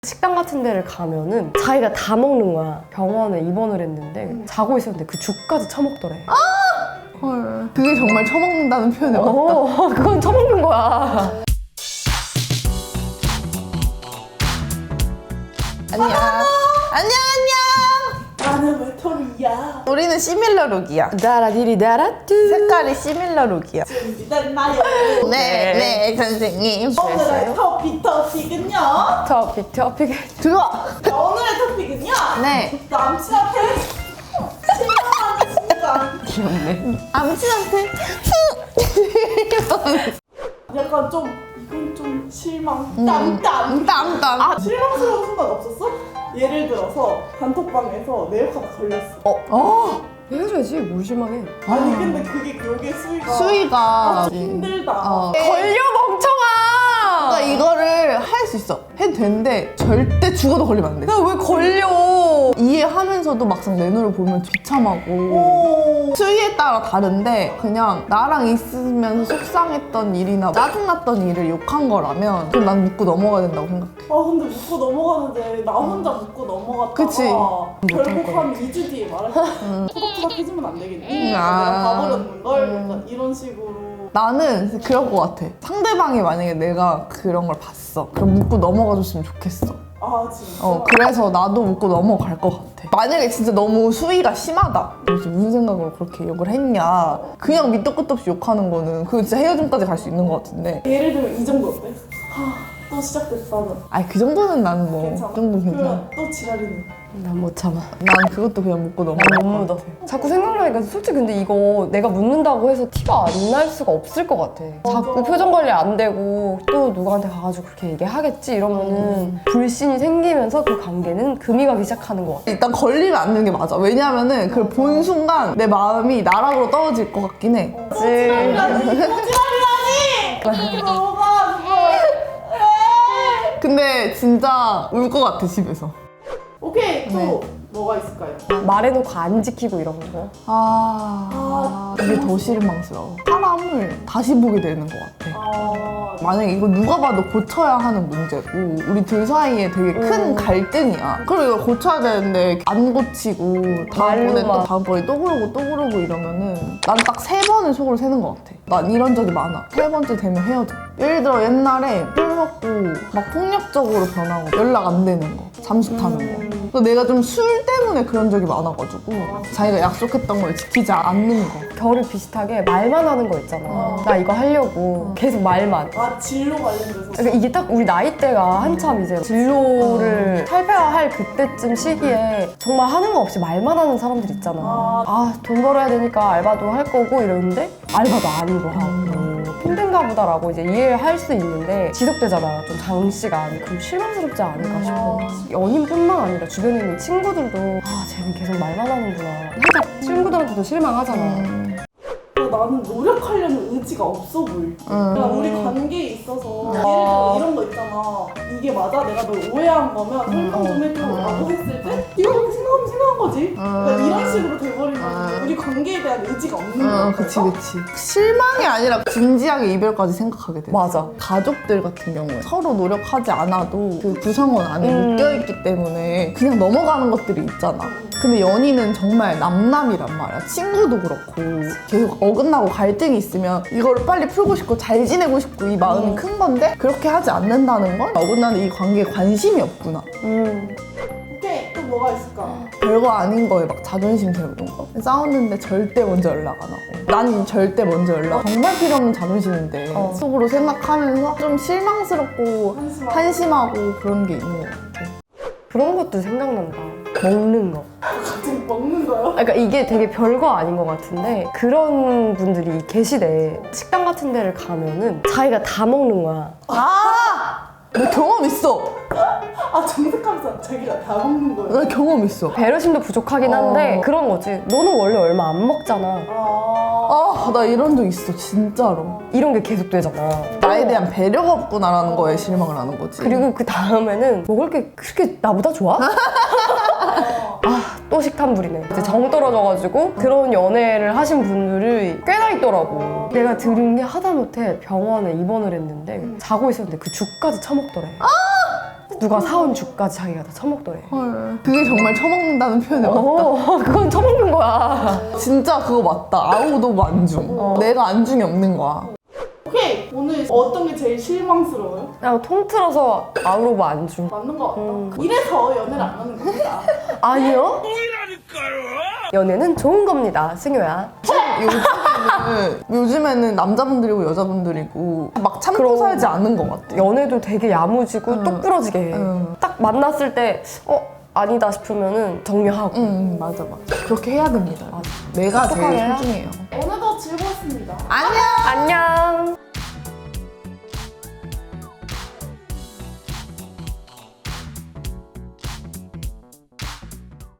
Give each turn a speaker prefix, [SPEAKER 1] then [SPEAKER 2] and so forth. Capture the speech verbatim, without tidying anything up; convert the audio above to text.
[SPEAKER 1] 식당 같은 데를 가면은 자기가 다 먹는 거야. 병원에 입원을 했는데 음. 자고 있었는데 그 죽까지 처먹더래.
[SPEAKER 2] 아! 헐. 그게 정말 처먹는다는 표현이 맞다.
[SPEAKER 1] 어, 그건 처먹는 거야.
[SPEAKER 2] 안녕. 안녕 안녕.
[SPEAKER 3] 나는 외톨이야.
[SPEAKER 2] 우리는 시밀러 룩이야.
[SPEAKER 1] 다라디리 다라뚜.
[SPEAKER 2] 색깔이 시밀러 룩이야.
[SPEAKER 3] 준비됐나요?
[SPEAKER 2] 네, 네, 선생님.
[SPEAKER 3] 오늘의 토픽 토픽은요?
[SPEAKER 1] 토픽 토픽.
[SPEAKER 2] 들어와.
[SPEAKER 3] 자, 오늘의 토픽은요?
[SPEAKER 2] 네.
[SPEAKER 3] 남친한테 실망하는 순간.
[SPEAKER 1] 귀엽네.
[SPEAKER 2] 남친한테.
[SPEAKER 3] 약간 좀 이건 좀 실망. 땀땀.
[SPEAKER 2] 땀땀.
[SPEAKER 3] 아, 실망스러운 순간 없었어? 예를 들어서 단톡방에서 내 욕하다 걸렸어.
[SPEAKER 1] 어,
[SPEAKER 2] 어.
[SPEAKER 1] 헤어져야지. 뭘 실망해.
[SPEAKER 3] 아니 근데 그게 그게 수위가
[SPEAKER 2] 수위가.
[SPEAKER 3] 아, 좀 힘들다.
[SPEAKER 2] 어.
[SPEAKER 1] 걸려 멍청아.
[SPEAKER 2] 그러니까 이거를 할 수 있어. 해도 되는데 절대 죽어도 걸리면 안 돼.
[SPEAKER 1] 왜 걸려?
[SPEAKER 2] 이해하면서도 막상 내 눈을 보면 비참하고.
[SPEAKER 3] 오.
[SPEAKER 2] 수위에 따라 다른데 그냥 나랑 있으면서 속상했던 일이나 짜증났던 일을 욕한 거라면 그럼 난 묻고 넘어가야 된다고 생각해.
[SPEAKER 3] 아 근데 묻고 넘어가는데 나 혼자 묻고 넘어갔다가
[SPEAKER 2] 그치.
[SPEAKER 3] 결국 한 이 주 뒤에 말했어. 토닥토닥 해주면 안 되겠니?
[SPEAKER 2] 음, 아.
[SPEAKER 3] 내가 봐버렸는걸? 약간 이런 식으로.
[SPEAKER 2] 나는 그럴 것 같아. 상대방이 만약에 내가 그런 걸 봤어. 그럼 묻고 넘어가 줬으면 좋겠어.
[SPEAKER 3] 아 진짜?
[SPEAKER 2] 어, 그래서 나도 묻고 넘어갈 것 같아. 만약에 진짜 너무 수위가 심하다. 도대체 무슨 생각으로 그렇게 욕을 했냐. 그냥 밑도 끝도 없이 욕하는 거는 그거 진짜 헤어짐까지 갈 수 있는 것 같은데.
[SPEAKER 3] 예를 들면 이 정도 어때? 하, 또 시작됐다. 는
[SPEAKER 2] 아니 그 정도는 나는 뭐.
[SPEAKER 3] 괜찮아.
[SPEAKER 2] 그 정도는 괜찮아.
[SPEAKER 3] 그러면 또 지랄이네.
[SPEAKER 1] 난 못 참아.
[SPEAKER 2] 난 그것도 그냥 묻고 넘어갈
[SPEAKER 1] 못
[SPEAKER 2] 것
[SPEAKER 1] 묻어.
[SPEAKER 2] 같아.
[SPEAKER 1] 자꾸 생각나니까 솔직히 근데 이거 내가 묻는다고 해서 티가 안 날 수가 없을 것 같아. 자꾸
[SPEAKER 3] 맞아.
[SPEAKER 1] 표정 관리 안 되고 또 누구한테 가가지고 그렇게 얘기하겠지 이러면은 불신이 생기면서 그 관계는 금이 가기 시작하는 것 같아.
[SPEAKER 2] 일단 걸리면 안 되는 게 맞아. 왜냐면은 그걸 본 순간 내 마음이 나락으로 떨어질 것 같긴 해.
[SPEAKER 3] 또 지랄이라니! 또 지랄이라니! 어떻게 넘어가 그걸. 에이.
[SPEAKER 2] 근데 진짜 울 것 같아 집에서.
[SPEAKER 3] 오케이 또
[SPEAKER 2] 네.
[SPEAKER 3] 뭐가 있을까요?
[SPEAKER 1] 말해놓고 안 지키고 이런 거.
[SPEAKER 2] 아, 이게 더 실망스러워. 사람을 다시 보게 되는 것 같아.
[SPEAKER 3] 아
[SPEAKER 2] 만약에 이거 누가 봐도 고쳐야 하는 문제고 우리 둘 사이에 되게 큰
[SPEAKER 1] 음.
[SPEAKER 2] 갈등이야. 그럼 이걸 고쳐야 되는데 안 고치고 다음번에 또
[SPEAKER 1] 말로만.
[SPEAKER 2] 다음번에 또 그러고 또 그러고 이러면은 난 딱 세 번을 속으로 세는 것 같아. 난 이런 적이 많아. 세 번째 되면 헤어져. 예를 들어 옛날에 술 먹고 막 폭력적으로 변하고 연락 안 되는 거, 잠수 타는 거.
[SPEAKER 3] 음.
[SPEAKER 2] 그래서 내가 좀 술 때문에 그런 적이 많아가지고 자기가 약속했던 걸 지키지 않는 거.
[SPEAKER 1] 결을 비슷하게 말만 하는 거 있잖아.
[SPEAKER 3] 어.
[SPEAKER 1] 나 이거 하려고 계속 말만.
[SPEAKER 3] 아 진로 관련돼서
[SPEAKER 1] 그러니까 이게 딱 우리 나이대가 한참 이제 진로를 탈퇴할 그때쯤 시기에 정말 하는 거 없이 말만 하는 사람들 있잖아.
[SPEAKER 3] 아.
[SPEAKER 1] 아, 돈 벌어야 되니까 알바도 할 거고 이러는데 알바도 아니고 하고 힘든가 보다라고 이제 이해를 할 수 있는데 지속되잖아. 좀 장시간. 그럼 실망스럽지 않을까 싶어. 연인뿐만 아니라 주변에 있는 친구들도 아, 쟤는 계속 말만 하는구나. 살짝 친구들한테도 실망하잖아.
[SPEAKER 2] 음.
[SPEAKER 3] 나는 노력하려는 의지가 없어 보일 때
[SPEAKER 2] 음.
[SPEAKER 3] 그러니까 우리 관계에 있어서 예를 들어 이런 거 있잖아 이게 맞아? 내가 널 오해한 거면 설명 좀 해줘 라고 했을 때 네가 그렇게 생각하면 생각한 거지 그러니까 이런 식으로 돼버리면
[SPEAKER 2] 음.
[SPEAKER 3] 우리 관계에 대한 의지가 없는
[SPEAKER 2] 어,
[SPEAKER 3] 거야
[SPEAKER 2] 그치, 그치. 실망이 아니라 진지하게 이별까지 생각하게 돼.
[SPEAKER 1] 맞아.
[SPEAKER 2] 가족들 같은 경우에 서로 노력하지 않아도 그 구성원 안에
[SPEAKER 1] 음.
[SPEAKER 2] 묶여있기 때문에 그냥 넘어가는 것들이 있잖아. 근데 연인은 정말 남남이란 말이야. 친구도 그렇고 계속 어긋나고 갈등이 있으면 이거를 빨리 풀고 싶고 잘 지내고 싶고 이 마음이
[SPEAKER 1] 음.
[SPEAKER 2] 큰 건데 그렇게 하지 않는다는 건 어긋나는 이 관계에 관심이 없구나.
[SPEAKER 1] 음.
[SPEAKER 3] 오케이 또 뭐가 있을까?
[SPEAKER 2] 별거 아닌 거에 막 자존심 세우는 거. 싸웠는데 절대 먼저 연락 안 하고. 난 절대 먼저 연락. 정말 필요 없는 자존심인데
[SPEAKER 1] 어.
[SPEAKER 2] 속으로 생각하면서 좀 실망스럽고
[SPEAKER 3] 한심하고.
[SPEAKER 2] 한심하고 그런 게 있는 것 같아.
[SPEAKER 1] 그런 것도 생각난다. 먹는 거.
[SPEAKER 3] 갑자기 먹는 거요?
[SPEAKER 1] 그러니까 이게 되게 별거 아닌 것 같은데 그런 분들이 계시대. 식당 같은 데를 가면은 자기가 다 먹는 거야.
[SPEAKER 2] 아! 나 경험 있어.
[SPEAKER 3] 아 정색하면서 자기가 다 먹는 거예요?
[SPEAKER 2] 나 경험 있어.
[SPEAKER 1] 배려심도 부족하긴 한데
[SPEAKER 2] 어.
[SPEAKER 1] 그런 거지. 너는 원래 얼마 안 먹잖아.
[SPEAKER 3] 아...
[SPEAKER 2] 아, 나 이런 적 있어, 진짜로.
[SPEAKER 1] 이런 게 계속되잖아.
[SPEAKER 2] 나에 대한 배려가 없구나라는 거에 실망을 하는 거지.
[SPEAKER 1] 그리고 그 다음에는 먹을 게 그렇게 나보다 좋아? 아, 또 식탐 부리네. 이제 정 떨어져가지고 그런 연애를 하신 분들이 꽤나 있더라고. 내가 들은 게 하다못해 병원에 입원을 했는데 자고 있었는데 그 죽까지 처먹더래. 누가 사온 죽까지 자기가 다 처먹더래.
[SPEAKER 2] 헐. 그게 정말 처먹는다는 표현이 맞다.
[SPEAKER 1] 어, 그건 처먹는 거야.
[SPEAKER 2] 진짜 그거 맞다. 아우도 안중. 내가 안중이 없는 거야.
[SPEAKER 3] 오케이 오늘 어떤 게 제일 실망스러워요?
[SPEAKER 1] 그냥 통틀어서 아우로바 안주.
[SPEAKER 3] 맞는 거 같다.
[SPEAKER 1] 음.
[SPEAKER 3] 이래서 연애를 안 하는 겁니다.
[SPEAKER 1] 아니요? 연애는 좋은 겁니다, 승효야.
[SPEAKER 2] 요즘에는, 요즘에는 남자분들이고 여자분들이고 막 참고
[SPEAKER 1] 그럼.
[SPEAKER 2] 살지 않는 것 같아.
[SPEAKER 1] 연애도 되게 야무지고
[SPEAKER 2] 응.
[SPEAKER 1] 똑부러지게 해.
[SPEAKER 2] 응.
[SPEAKER 1] 딱 만났을 때 어? 아니다 싶으면은 정리하고.
[SPEAKER 2] 응, 맞아, 맞아. 그렇게 해야 됩니다.
[SPEAKER 1] 맞아.
[SPEAKER 2] 내가 제일
[SPEAKER 1] 똑똑하게
[SPEAKER 2] 소중해요.
[SPEAKER 3] 오늘도 즐거웠습니다.
[SPEAKER 2] 안녕!
[SPEAKER 1] 안녕.